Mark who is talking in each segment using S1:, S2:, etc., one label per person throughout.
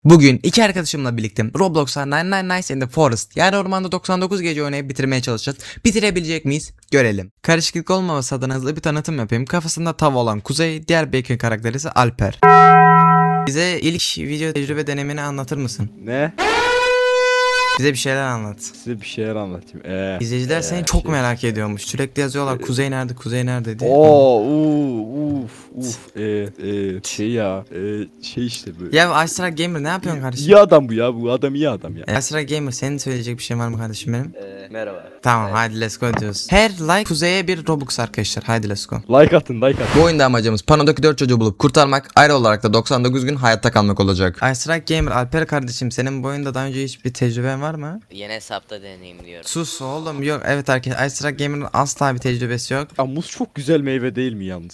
S1: Bugün iki arkadaşımla birlikte Roblox'a 99 Nights in the Forest yani ormanda 99 gece oynayıp bitirmeye çalışacağız. Bitirebilecek miyiz? Görelim. Karışıklık olmaması adına hızlı bir tanıtım yapayım. Kafasında tav olan Kuzey, diğer Bacon karakteri ise Alper. Bize ilk video tecrübe denemeni anlatır mısın?
S2: Ne?
S1: Bize bir şeyler anlat.
S2: Size bir şeyler anlatayım.
S1: İzleyiciler seni çok merak ediyormuş. Sürekli yazıyorlar Kuzey nerede, Kuzey nerede diye.
S2: Şey işte bu.
S1: Ya Astra Gamer ne yapıyorsun kardeşim?
S2: İyi adam bu ya, bu adam iyi adam ya.
S1: Astra Gamer senin söyleyecek bir şey var mı kardeşim benim?
S3: Merhaba.
S1: Tamam hadi let's go diyoruz. Her like Kuzey'e bir Robux arkadaşlar. Haydi let's go.
S2: Like atın.
S1: Bu oyunda amacımız panodaki 4 çocuğu bulup kurtarmak, ayrı olarak da 99 gün hayatta kalmak olacak. iStrike Gamer Alper kardeşim senin bu oyunda daha önce hiçbir tecrüben var mı?
S3: Yeni hesapta deneyimliyorum.
S1: Sus oğlum yok evet arkadaşlar iStrike Gamer'ın asla bir tecrübesi yok.
S2: Ya muz çok güzel meyve değil mi yalnız?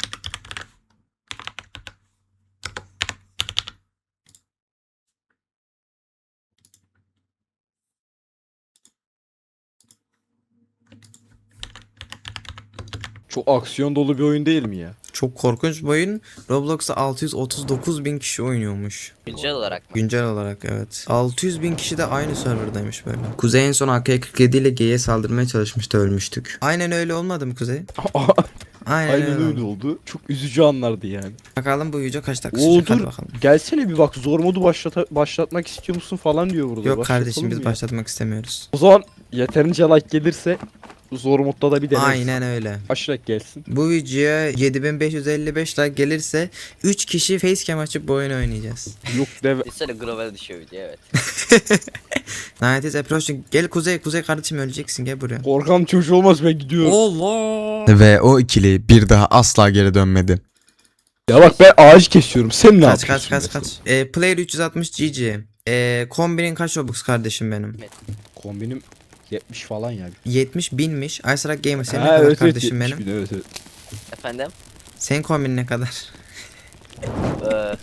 S2: Çok aksiyon dolu bir oyun değil mi ya?
S1: Çok korkunç bir oyun. Roblox'ta 639 bin kişi oynuyormuş.
S3: Güncel olarak mı?
S1: Güncel olarak evet. 600 bin kişi de aynı serverdaymış böyle. Kuzey en son AK-47 ile G'ye saldırmaya çalışmıştı, ölmüştük. Aynen öyle olmadı mı Kuzey? Aynen
S2: Aynen
S1: öyle
S2: öyle oldu. Çok üzücü anlardı yani.
S1: Bakalım bu video kaç dakika
S2: Oo,
S1: sürecek hadi
S2: dur.
S1: bakalım.
S2: Gelsene bir bak, zor modu başlatmak istiyor musun falan diyor burada.
S1: Yok
S2: Başlatalım
S1: kardeşim biz
S2: mı ya?
S1: başlatmak istemiyoruz.
S2: O zaman yeterince like gelirse zor modda da bir deneriz.
S1: Aynen öyle.
S2: Aşarak gelsin.
S1: Bu videoya 7555 like gelirse 3 kişi facecam açıp bu oyunu oynayacağız.
S2: Yok deve.
S3: Bir sene global düşüyor video evet.
S1: Night is approaching. Gel Kuzey kardeşim öleceksin gel buraya.
S2: Korkan çocuğu olmaz, ben gidiyorum.
S1: Allah. Ve o ikili bir daha asla geri dönmedi.
S2: Ya bak ben ağacı kesiyorum. Sen ne
S1: Kaç
S2: yapıyorsun?
S1: Player 360 GG. Kombinin kaç Robux kardeşim benim?
S2: Kombinim 70 falan ya.
S1: 70 binmiş. iStrike Gamer senin ne
S2: Ha,
S1: kadar
S2: evet,
S1: kardeşim
S2: 70
S1: benim?
S2: bin, evet.
S3: Efendim?
S1: Senin kombinin ne kadar?
S3: Ee,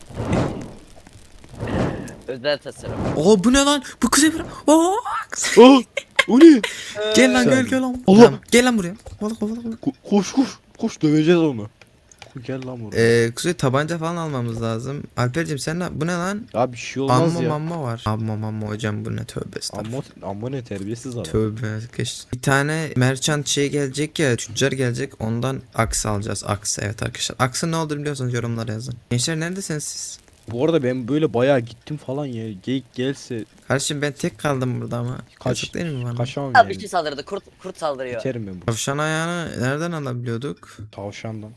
S3: özel tasarım.
S1: Oo bu ne lan? Bu Kuzey bura. Oo.
S2: Oh, o ne?
S1: Gel lan
S2: Sen-
S1: gel lan.
S2: Allah.
S1: Tamam, gel lan buraya. Kovala.
S2: Koş döveceğiz onu. Gel lan buraya.
S1: Kuzey tabanca falan almamız lazım. Alperciğim sen bu ne lan?
S2: Ya bir şey olmaz ya.
S1: Mamma var. Mamma hocam bu ne tövbe estağfurullah.
S2: Amma ne terbiyesiz adam.
S1: Tövbe geç. Bir tane merchant şey gelecek ya, tüccar gelecek, ondan aks alacağız. Aks evet arkadaşlar. Aksın ne olur biliyorsunuz, yorumlara yazın. Gençler neredesiniz siz?
S2: Bu arada ben böyle bayağı gittim falan ya. Geyik gelse
S1: Kardeşim ben tek kaldım burada ama.
S2: Kaç-
S1: Yazık değil mi bana?
S2: kaçamam
S3: Abi bir
S2: yani.
S3: şey saldırdı. Kurt saldırıyor.
S2: Biterim ben bu
S1: Tavşan ayağını nereden alabiliyorduk?
S2: tavşandan.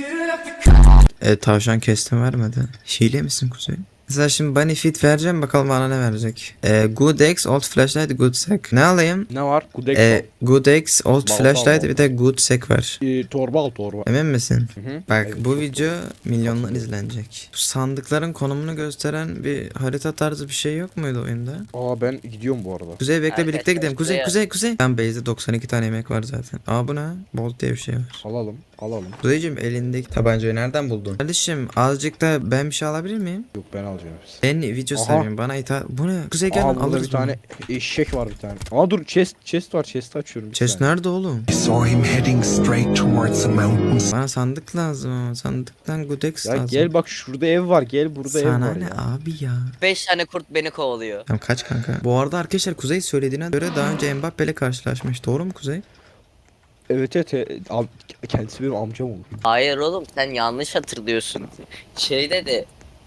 S1: Tavşan kestim vermedi. Hile misin Kuzey? Mesela şimdi bunny fit vereceğim, bakalım bana ne verecek. Good X, old flashlight, good sec. Ne alayım?
S2: Ne var? Kudek
S1: Good X, old
S2: Balta
S1: flashlight
S2: al.
S1: bir de good sec var.
S2: torba al torba.
S1: Emin misin?
S2: Hı.
S1: Bak
S2: Evet.
S1: bu video milyonlar izlenecek. Bu sandıkların konumunu gösteren bir harita tarzı bir şey yok muydu oyunda?
S2: Aa ben gidiyorum bu arada.
S1: Kuzey bekle
S3: Arkadaşlar,
S1: birlikte gidelim.
S3: şuraya-
S1: Kuzey. Ben base'de 92 tane yemek var zaten. Aa bu ne? Bolt diye bir şey var.
S2: Alalım.
S1: Kuzeyciğim elindeki tabancayı nereden buldun? Kardeşim azıcık da ben bir şey alabilir miyim?
S2: Yok ben alacağım.
S1: Ben video
S2: Aha.
S1: sevmiyorum bana ithal. Bu ne? Kuzey gel
S2: Aa
S1: lan
S2: burada
S1: alırız
S2: bir tane eşek var bir tane. Aa dur chest var, chest'i açıyorum. bir
S1: Chest
S2: saniye.
S1: nerede oğlum?
S4: I saw him heading straight towards the mountains.
S1: Bana sandık lazım ama sandıktan Godex
S2: Ya
S1: lazım.
S2: gel bak şurada ev var, gel burada ev
S1: Sana
S2: var
S1: ne
S2: ya.
S1: abi ya?
S3: 5 tane kurt beni kovalıyor.
S1: Tamam kaç kanka? Bu arada arkadaşlar Kuzey söylediğine göre daha önce Mbappe ile karşılaşmış. Doğru mu Kuzey?
S2: Evet kendisi benim amcam olur.
S3: Hayır oğlum sen yanlış hatırlıyorsun. Şeyde de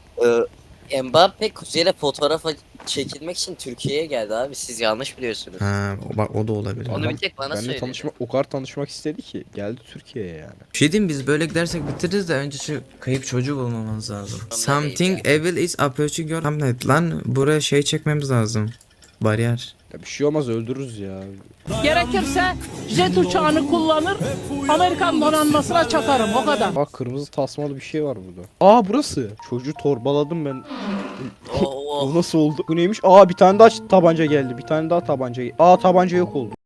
S3: Mbappe Kuzey'le fotoğrafa çekilmek için Türkiye'ye geldi abi. Siz yanlış biliyorsunuz.
S1: Ha bak o da olabilir.
S3: Onu
S2: Adam
S3: bir tek bana
S2: Benimle
S3: söyledi.
S2: o kadar tanışmak istedi ki geldi Türkiye'ye yani.
S1: Bir şey diyeyim, biz böyle gidersek bitiririz de önce şu kayıp çocuğu bulmamız lazım.
S3: Ondan
S1: Something
S3: değil
S1: evil is approaching your hamlet. Lan buraya şey çekmemiz lazım. Bariyer.
S2: Ya bir şey olmaz, öldürürüz ya.
S5: Gerekirse jet uçağını kullanır, Amerikan donanmasına çakarım o kadar.
S2: Bak kırmızı tasmalı bir şey var burada. Aa burası. Çocuğu torbaladım ben.
S3: Oo.
S2: O nasıl oldu? Bu neymiş? Aa bir tane daha tabanca geldi. Bir tane daha tabanca. Aa tabanca yok oldu.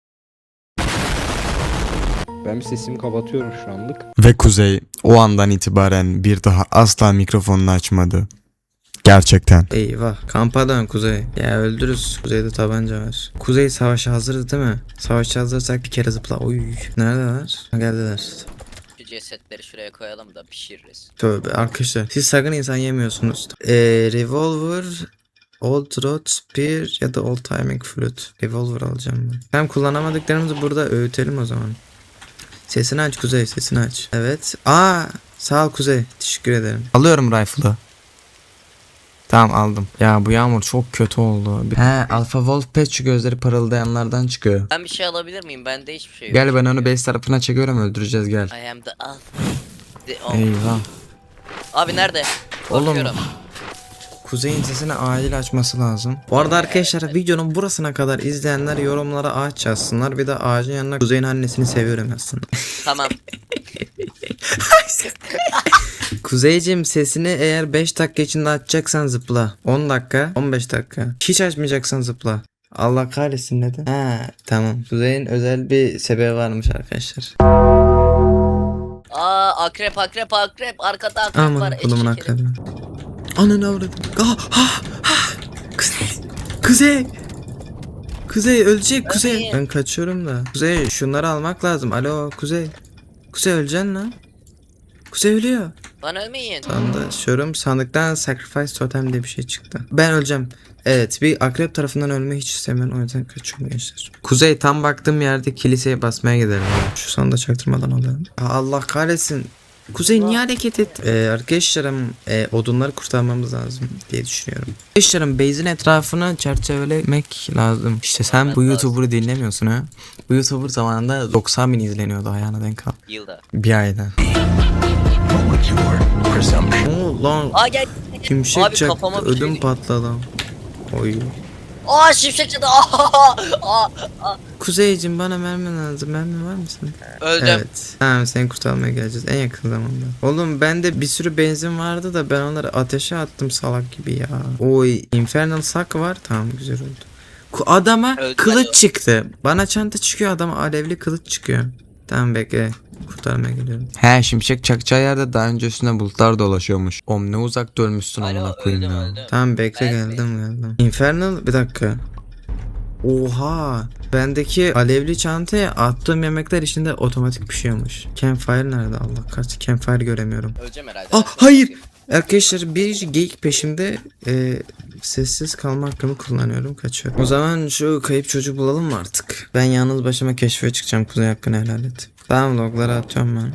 S2: Ben bir sesimi kapatıyorum şu anlık.
S1: Ve Kuzey o andan itibaren bir daha asla mikrofonunu açmadı. Gerçekten. Eyvah. Kampa dön Kuzey. Ya öldürürüz. Kuzeyde tabanca var. Kuzey savaşa hazırız değil mi? Savaşa hazırsak bir kere zıpla. Oy. Neredeler? Ha, geldiler.
S3: cesetleri şuraya koyalım da pişiririz.
S1: Tövbe arkadaşlar. Siz sakın insan yemiyorsunuz. Revolver, Old Rod Spear ya da Old Timing Flute. Revolver alacağım ben. Hem kullanamadıklarımızı burada öğütelim o zaman. Sesini aç Kuzey, sesini aç. Evet. Sağ ol Kuzey. Teşekkür ederim. Alıyorum rifle'ı. Tamam aldım. Ya bu yağmur çok kötü oldu. Alpha Wolf Pet şu gözleri parıldayanlardan çıkıyor.
S3: Ben bir şey alabilir miyim? Bende hiçbir şey yok.
S1: Gel ben onu base tarafına çekiyorum, öldüreceğiz gel.
S3: I am the alpha.
S1: Eyvah.
S3: Abi nerede?
S1: Oğlum.
S3: Bakıyorum.
S1: Kuzey'in sesini acil açması lazım. Bu arada arkadaşlar videonun burasına kadar izleyenler yorumlara ağaç yazsınlar. Bir de ağacın yanına Kuzey'in annesini seviyorum yazsınlar.
S3: Tamam.
S1: Kuzeyciğim sesini eğer 5 dakika içinde açacaksan zıpla. 10 dakika, 15 dakika. Hiç açmayacaksan zıpla. Allah kahretsin neden? Tamam. Kuzey'in özel bir sebebi varmış arkadaşlar.
S3: Akrep. Arkada akrep
S1: Aman
S3: var.
S1: kulumun
S3: Eşek herif.
S1: akrebi. Ananı avradım. Kuzey. Kuzey ölecek Kuzey.
S3: Ölmeyin.
S1: Ben kaçıyorum da. Kuzey şunları almak lazım. Alo Kuzey. Kuzey öleceksin lan. Kuzey ölüyor.
S3: Lan ölmeyin.
S1: Sandıktan sandıktan sacrifice totem diye bir şey çıktı. Ben öleceğim. Evet bir akrep tarafından ölmeyi hiç istemiyorum, o yüzden kaçıyorum gençler. Kuzey tam baktığım yerde kiliseye basmaya gidelim. Şu sandığı çaktırmadan alalım. Allah kahretsin. Kuzey niye hareket et? Arkadaşlarım odunları kurtarmamız lazım diye düşünüyorum. Arkadaşlarım base'in etrafını çerçevelemek lazım. İşte sen
S3: Evet,
S1: bu
S3: lazım.
S1: YouTuber'ı dinlemiyorsun ha. Bu YouTuber zamanında 90.000 izleniyordu, ayağına denk al.
S3: Yılda.
S1: Bir ayda.
S4: Molecular presumption.
S1: Lan
S3: Gel.
S1: şimşek
S3: Abi,
S1: çaktı,
S3: kafama bir şey
S1: ödüm
S3: değil.
S1: patladı. Oy.
S3: Şimşek çadı.
S1: Kuzeyciğim bana mermi lazım. Mermi var mısın?
S3: Öldüm.
S1: Evet. Tamam seni kurtarmaya geleceğiz en yakın zamanda. Oğlum bende bir sürü benzin vardı da ben onları ateşe attım salak gibi ya. Oy Infernal Sack var. Tamam güzel oldu. Adama
S3: Öldü.
S1: kılıç çıktı. Bana çanta çıkıyor, adama alevli kılıç çıkıyor. Tamam bekle. Kurtarmaya geliyorum. He şimşek çakacağı yerde daha önce üstüne bulutlar dolaşıyormuş. Oğlum ne uzak dönmüşsün
S3: Alo,
S1: amına koyayım
S3: öldüm,
S1: ya.
S3: öldüm.
S1: Tamam bekle
S3: Ben-
S1: geldim. Infernal bir dakika. Oha. Bendeki alevli çantaya attığım yemekler içinde otomatik pişiyormuş. Campfire nerede Allah kahretsin. Campfire göremiyorum.
S3: Öleceğim herhalde.
S1: Hayır. Arkadaşlar bir geyik peşimde sessiz kalma hakkımı kullanıyorum, kaçıyorum. O zaman şu kayıp çocuğu bulalım mı artık? Ben yalnız başıma keşfe çıkacağım, Kuzey hakkını helal et. Tamam logları atıyorum ben.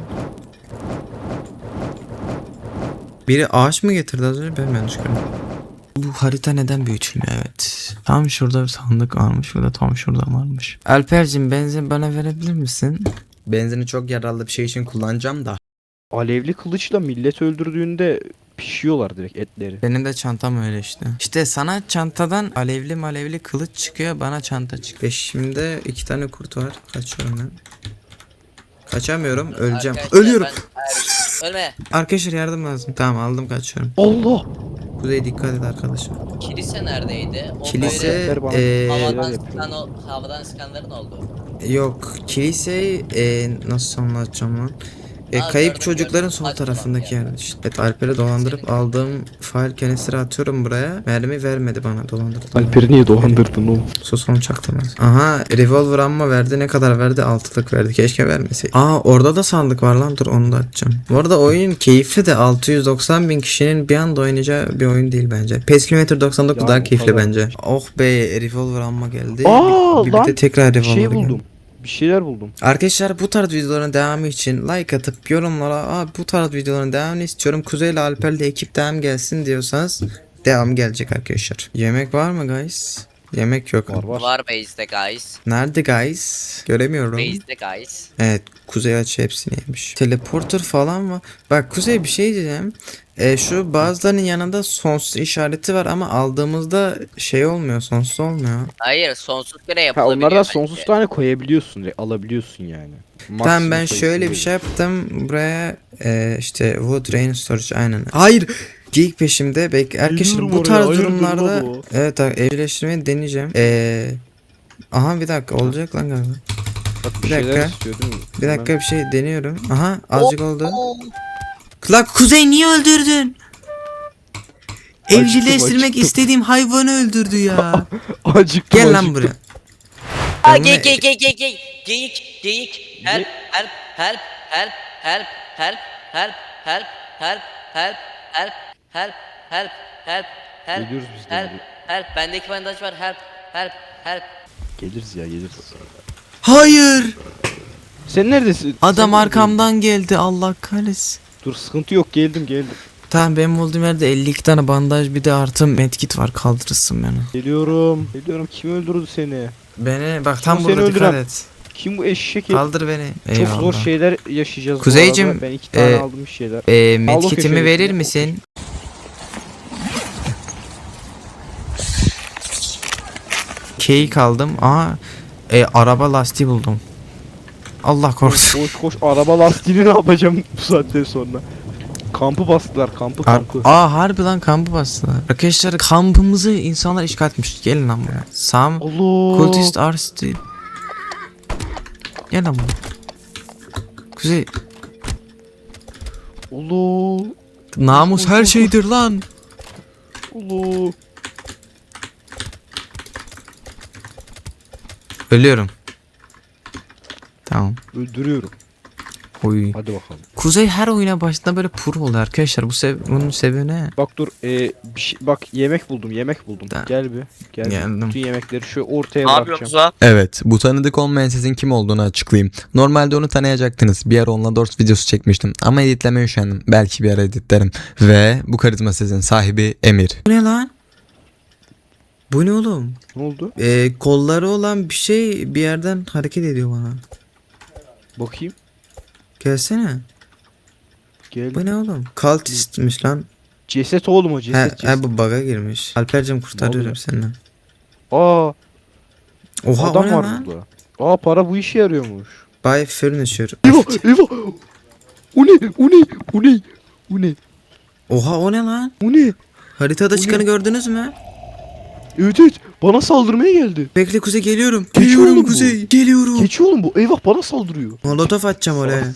S1: Biri ağaç mı getirdi az önce, ben yanlış gördüm. Bu harita neden büyütülmüyor? Evet. Tam şurada bir sandık varmış. Bu da tam şurada varmış. Alper'cim benzin bana verebilir misin? Benzini çok yararlı bir şey için kullanacağım da.
S2: Alevli kılıçla millet öldürdüğünde pişiyorlar direkt etleri.
S1: Benim de çantam öyle işte. İşte sana çantadan alevli kılıç çıkıyor, bana çanta çıkıyor. Peşimde 2 tane kurt var. Kaçıyorum ben. Kaçamıyorum, öleceğim.
S3: Arkadaşlar,
S1: Ölüyorum.
S3: Ölme.
S1: Arkadaşlar yardım lazım. Tamam aldım, kaçıyorum.
S2: Allah!
S1: Kuzey dikkat et arkadaşım.
S3: Kilise neredeydi? O
S1: Kilise
S2: Ver bana.
S3: böyle
S1: eee
S3: havadan sıkanların oldu.
S1: yok. Kilise nasıl anlatacağım lan?
S3: Aa,
S1: Kayıp
S3: gördüm,
S1: çocukların
S3: gördüm.
S1: sol
S3: Hadi
S1: tarafındaki
S3: tamam,
S1: yer işte. Evet Alper'i dolandırıp aldığım file canisteri atıyorum buraya. Mermi vermedi bana, dolandırdı.
S2: Alper'i niye dolandırdın oğlum?
S1: Sus onu çaktırmaz. Aha revolver amma verdi, ne kadar verdi? 6'lık verdi, keşke vermeseydi. Orada da sandık var lan, dur onu da açacağım. Bu arada oyun keyifli de 690.000 kişinin bir anda oynayacağı bir oyun değil bence. PES Kilometre 99
S2: Ya,
S1: daha
S2: o
S1: keyifli
S2: kadar.
S1: bence. Oh be revolver amma geldi.
S2: Aa,
S1: bir
S2: lan,
S1: de tekrar
S2: Bir
S1: revolver
S2: şey
S1: geldi.
S2: buldum. Bir şeyler buldum.
S1: Arkadaşlar bu tarz videoların devamı için like atıp yorumlara bu tarz videoların devamını istiyorum, Kuzey ile Alper'le ekip devam gelsin diyorsanız devam gelecek arkadaşlar. Yemek var mı guys? Yemek yok.
S2: Var.
S3: Var base'de guys.
S1: Nerede guys? Göremiyorum.
S3: Base'de guys.
S1: Evet Kuzey açı hepsini yemiş. Teleporter falan var. Bak Kuzey bir şey diyeceğim. Şu bazılarının yanında sonsuz işareti var ama aldığımızda şey olmuyor, sonsuz olmuyor.
S3: Hayır sonsuz göre
S2: Ha,
S3: yapılabiliyor.
S2: onlardan
S3: bence.
S2: sonsuz tane koyabiliyorsun. Direkt alabiliyorsun yani.
S1: Tamam
S2: Maksimum
S1: ben
S2: sayısı
S1: şöyle bir
S2: değil.
S1: şey yaptım. Buraya işte wood rain storage aynen. Hayır. Geyik peşimde. Arkadaşlar
S2: Biliyorum
S1: bu
S2: oraya,
S1: tarz
S2: hayırdır
S1: durumlarda
S2: lan o?
S1: evet evcilleştirmeyi deneyeceğim. Aha bir dakika olacak lan galiba.
S2: Bak
S1: bir
S2: şeyler
S1: dakika.
S2: istiyor değil mi?
S1: Bir dakika bir şey deniyorum. Aha azıcık oldu.
S3: Oo.
S1: La Kuzey niye öldürdün? Evcilleştirmek
S2: acıktım.
S1: istediğim hayvanı öldürdü ya.
S2: Acıktım.
S1: Gel lan
S2: acıktım.
S1: buraya.
S3: Aa,
S1: Ben buna-
S3: geyik. Help. help, help, help, help, help, help, help, help, help, help,
S2: Geliyoruz biz de.
S3: help, help, bendeki bandaj var, help, help, help.
S2: Geliriz ya geliriz.
S1: Hayır.
S2: Sen neredesin?
S1: Adam
S2: Sen
S1: arkamdan geldi, Allah kahretsin.
S2: Dur sıkıntı yok, geldim.
S1: Tamam, benim olduğum yerde 52 tane bandaj bir de artı medkit var, kaldırırsın beni.
S2: Geliyorum. Kim öldürdü seni?
S1: Beni bak
S2: Kim
S1: tam
S2: seni
S1: burada, dikkat
S2: öldüren?
S1: et.
S2: Kim bu eşek?
S1: Kaldır beni.
S2: Çok
S1: Eyvallah.
S2: zor şeyler yaşayacağız
S1: Kuzeycim,
S2: bu arada. Ben 2 tane
S1: e,
S2: aldım bir şeyler.
S1: Medkitimi
S2: köşeye
S1: verir
S2: götür.
S1: misin? Cake aldım. Araba lastiği buldum. Allah korusun.
S2: Koş araba lastiğini ne yapacağım bu saatten sonra? Kampı bastılar, kampı.
S1: Harbi lan, kampı bastılar. Arkadaşlar, kampımızı insanlar işgal etmiş. Gelin lan buraya. Sam
S2: Allah.
S1: Cultist are still. Gel lan buraya. Kuzey,
S2: Allah.
S1: namus her şeydir lan.
S2: Allah.
S1: Ölüyorum. Tamam.
S2: Öldürüyorum.
S1: Oy.
S2: Hadi bakalım.
S1: Kuzey her oyuna başında böyle pro oluyor arkadaşlar. Bunun sebebi ne?
S2: Bak dur, bak yemek buldum.
S1: Da-
S2: Gel bir. Gel.
S1: Geldim.
S2: Bütün yemekleri şu ortaya
S6: Ne yapıyorsun
S2: bırakacağım.
S6: lan?
S1: Evet, bu tanıdık olmayan sesin kim olduğunu açıklayayım. Normalde onu tanıyacaktınız. Bir ara onunla Dors videosu çekmiştim. Ama editlemeye üşendim. Belki bir ara editlerim. Ve bu karizma sesin sahibi Emir. Bu ne lan? Bu ne oğlum?
S2: Ne oldu?
S1: Kolları olan bir şey bir yerden hareket ediyor bana.
S2: Bakayım.
S1: Gelsene.
S2: Gel.
S1: Bu ne oğlum? Cultistmiş lan.
S2: Ceset oğlum o, ceset.
S1: Bu bug'a girmiş. Alper'cim kurtarıyorum
S2: oluyor?
S1: seni.
S2: Aa,
S1: Oha, o
S2: adam
S1: ne
S2: var
S1: lan?
S2: burada. Aa, para bu işe yarıyormuş.
S1: Buy furniture.
S2: Eyvah. O ne?
S1: Oha, o ne lan?
S2: O ne?
S1: Haritada
S2: O ne?
S1: çıkanı gördünüz mü?
S2: Evet, bana saldırmaya geldi.
S1: Bekle Kuzey, geliyorum.
S2: Keçi
S1: Geliyorum
S2: oğlum bu.
S1: Kuzey. Geliyorum.
S2: Keçi oğlum bu. Eyvah, bana saldırıyor.
S1: Molotof atacağım oraya.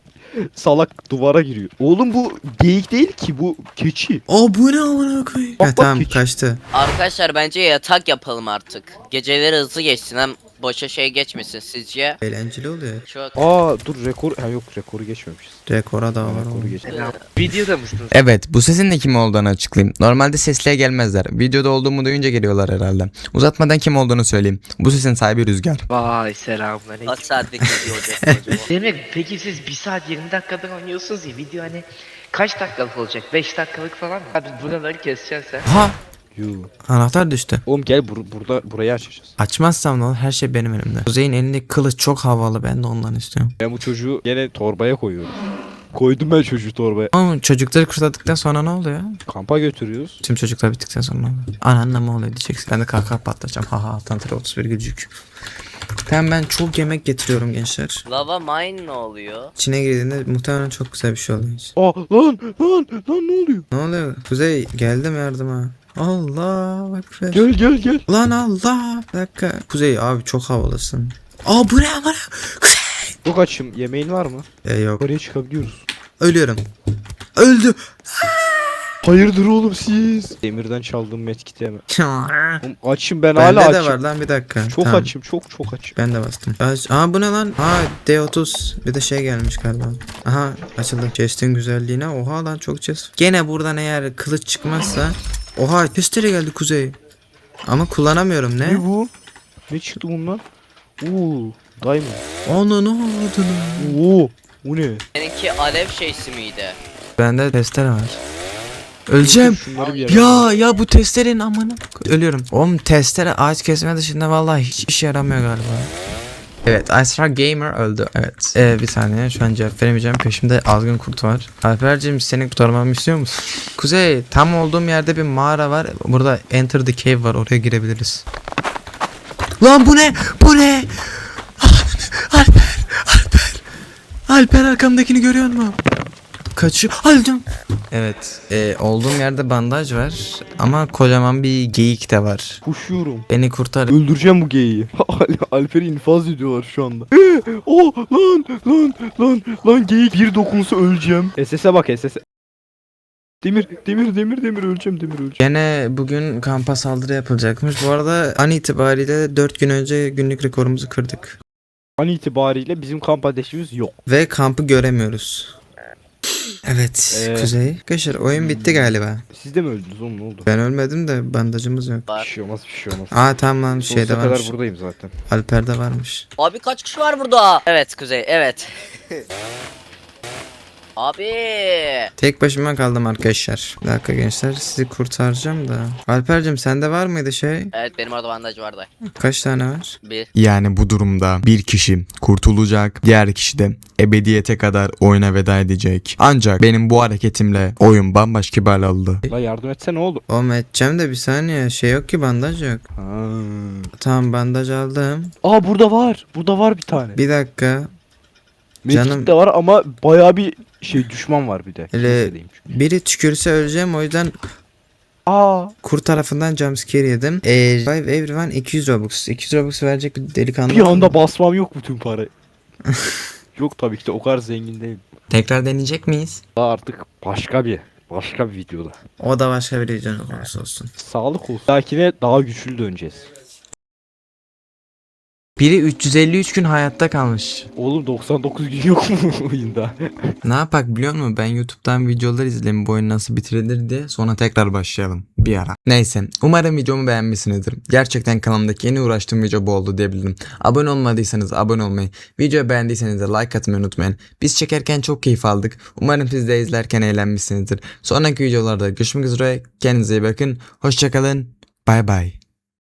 S2: Salak duvara giriyor. Oğlum bu geyik değil ki, bu keçi.
S1: Bu ne amına koyayım?
S2: Bak,
S1: Tamam,
S2: keçi.
S1: kaçtı.
S3: Arkadaşlar bence yatak yapalım artık. Geceleri hızlı geçsin, hem boşa şey geçmesin sizce?
S1: Eğlenceli oluyor.
S3: Çok.
S2: Dur rekor. Yok, rekoru geçmemişiz.
S1: Rekora da var
S2: Rekoru
S1: oğlum.
S2: geçmemişiz.
S6: Videoda mısınız?
S1: Evet, bu sesin de kim olduğunu açıklayayım. Normalde sesliye gelmezler. Videoda olduğumu duyunca geliyorlar herhalde. Uzatmadan kim olduğunu söyleyeyim. Bu sesin sahibi Rüzgar.
S6: Vay selamünaleyküm.
S3: Kaç saatlik video olacak acaba?
S6: Demek peki siz 1 saat 20 dakikadan oynuyorsunuz ya, video hani kaç dakikalık olacak? 5 dakikalık falan mı? Hadi buraları keseceksin sen.
S1: Ha,
S2: Yuh.
S1: anahtar düştü.
S2: Oğlum gel burayı açacağız.
S1: Açmazsam ne olur? Her şey benim elimde. Kuzey'in elindeki kılıç çok havalı. Ben de ondan istiyorum.
S2: Ben bu çocuğu gene torbaya koyuyorum. Koydum ben çocuğu torbaya.
S1: Ama çocukları kurtardıktan sonra ne oluyor?
S2: Kampa götürüyoruz.
S1: Tüm çocuklar bittikten sonra ne oluyor? Anneanne ne oluyor diyeceksin. Ben de kahkaha patlatacağım. Haha, Tantra 31 gülcük. Tamam, ben çok yemek getiriyorum gençler.
S3: Lava mine ne oluyor?
S1: İçine girdiğinde muhtemelen çok güzel bir şey oluyor.
S2: Lan ne oluyor?
S1: Ne oluyor? Kuzey, geldim yardıma. Allah ekber.
S2: Gel.
S1: Lan Allah. Bir dakika. Kuzey abi, çok havalısın. Bu ne? Kuzey.
S2: Çok açım. Yemeğin var mı?
S1: Yok.
S2: Oraya çıkabiliyoruz.
S1: Ölüyorum. Öldü.
S2: Hayırdır oğlum siz? Demirden çaldığım medkiti hemen. Oğlum açım, ben
S1: Bende
S2: hala
S1: de
S2: açım.
S1: var lan, bir dakika.
S2: Çok
S1: Tamam.
S2: açım, çok açım.
S1: Ben de bastım. Bu ne lan? D30. Bir de şey gelmiş galiba. Aha, açıldı. Chest'in güzelliğine. Oha lan, çok chest. Gene buradan eğer kılıç çıkmazsa. Oha, testere geldi Kuzey. Ama kullanamıyorum, ne?
S2: Ne bu? Ne çıktı bundan? Diamond.
S1: Onu ne oldu?
S2: Bu ne?
S3: Seninki alev şeysi miydi?
S1: Bende testere var. Öleceğim.
S2: Şunları bir yere.
S1: Ya bu testerenin amına. Ölüyorum. Oğlum, testere ağaç kesme dışında vallahi hiç işe yaramıyor galiba. Evet, Asra Gamer öldü. Evet. Bir saniye, şu an cevap veremeyeceğim. Peşimde azgın kurt var. Alper'cim, seni kurtarmamı istiyor musun? Kuzey, tam olduğum yerde bir mağara var. Burada Enter the Cave var. Oraya girebiliriz. Lan bu ne? Alper arkamdakini görüyor musun? Kaçıyor. Öldüm. Evet. Olduğum yerde bandaj var. Ama kocaman bir geyik de var.
S2: Koşuyorum.
S1: Beni kurtar.
S2: Öldüreceğim bu geyiği. Alper'i infaz ediyorlar şu anda. Lan geyik bir dokunsa öleceğim. SS'e bak, SS'e. Demir öleceğim.
S1: Gene bugün kampa saldırı yapılacakmış. Bu arada an itibariyle 4 gün önce günlük rekorumuzu kırdık.
S2: An itibariyle bizim kamp ateşimiz yok.
S1: Ve kampı göremiyoruz. Evet Kuzey. Arkadaşlar oyun bitti galiba.
S2: Siz de mi öldünüz oğlum, ne oldu?
S1: Ben ölmedim de bandajımız yok.
S2: Bir şey olmaz, bir şey olmaz.
S1: Aa tamam lan
S2: Sonsuza
S1: şeyde
S2: kadar
S1: varmış.
S2: buradayım zaten.
S1: Alper'de varmış.
S3: Abi kaç kişi var burada? Evet Kuzey, evet. Abi.
S1: Tek başıma kaldım arkadaşlar. Bir dakika gençler sizi kurtaracağım da. Alper'cim sende var mıydı şey?
S3: Evet benim orada bandaj vardı.
S1: Kaç tane var?
S3: Bir.
S1: Yani bu durumda bir kişi kurtulacak, diğer kişi de ebediyete kadar oyuna veda edecek. Ancak benim bu hareketimle oyun bambaşka bir hal aldı.
S2: La yardım etse ne oldu?
S1: Oğlum edeceğim de bir saniye şey yok ki bandaj yok.
S2: Ha.
S1: Tamam bandaj aldım.
S2: Aa burada var. Burada var bir tane.
S1: Bir dakika.
S2: Medkit
S1: canım-
S2: de var ama bayağı bir şey düşman var bir de.
S1: Hele-
S2: Kilisedeyim çünkü.
S1: Biri tükürse öleceğim o yüzden
S2: Aa.
S1: kur tarafından jumpscare yedim. Revive everyone 200 Robux. 200 Robux verecek bir delikanlı.
S2: Bir anda basmam yok bütün para. Yok tabii ki de o kadar zengin değilim.
S1: Tekrar deneyecek miyiz?
S2: Daha artık başka bir videoda.
S1: O da başka bir videonun konusu olsun.
S2: Sağlık olsun. Dakine daha güçlü döneceğiz.
S1: Biri 353 gün hayatta kalmış.
S2: Oğlum 99 gün yok mu oyunda?
S1: Ne yapak biliyor musun? Ben YouTube'dan videolar izleyeyim bu oyun nasıl bitirilir diye. Sonra tekrar başlayalım bir ara. Neyse. Umarım videomu beğenmişsinizdir. Gerçekten kanalımdaki en uğraştığım video bu oldu diyebilirim. Abone olmadıysanız abone olmayı, videoyu beğendiyseniz de like atmayı unutmayın. Biz çekerken çok keyif aldık. Umarım siz de izlerken eğlenmişsinizdir. Sonraki videolarda görüşmek üzere. Kendinize iyi bakın. Hoşçakalın. Bay bay.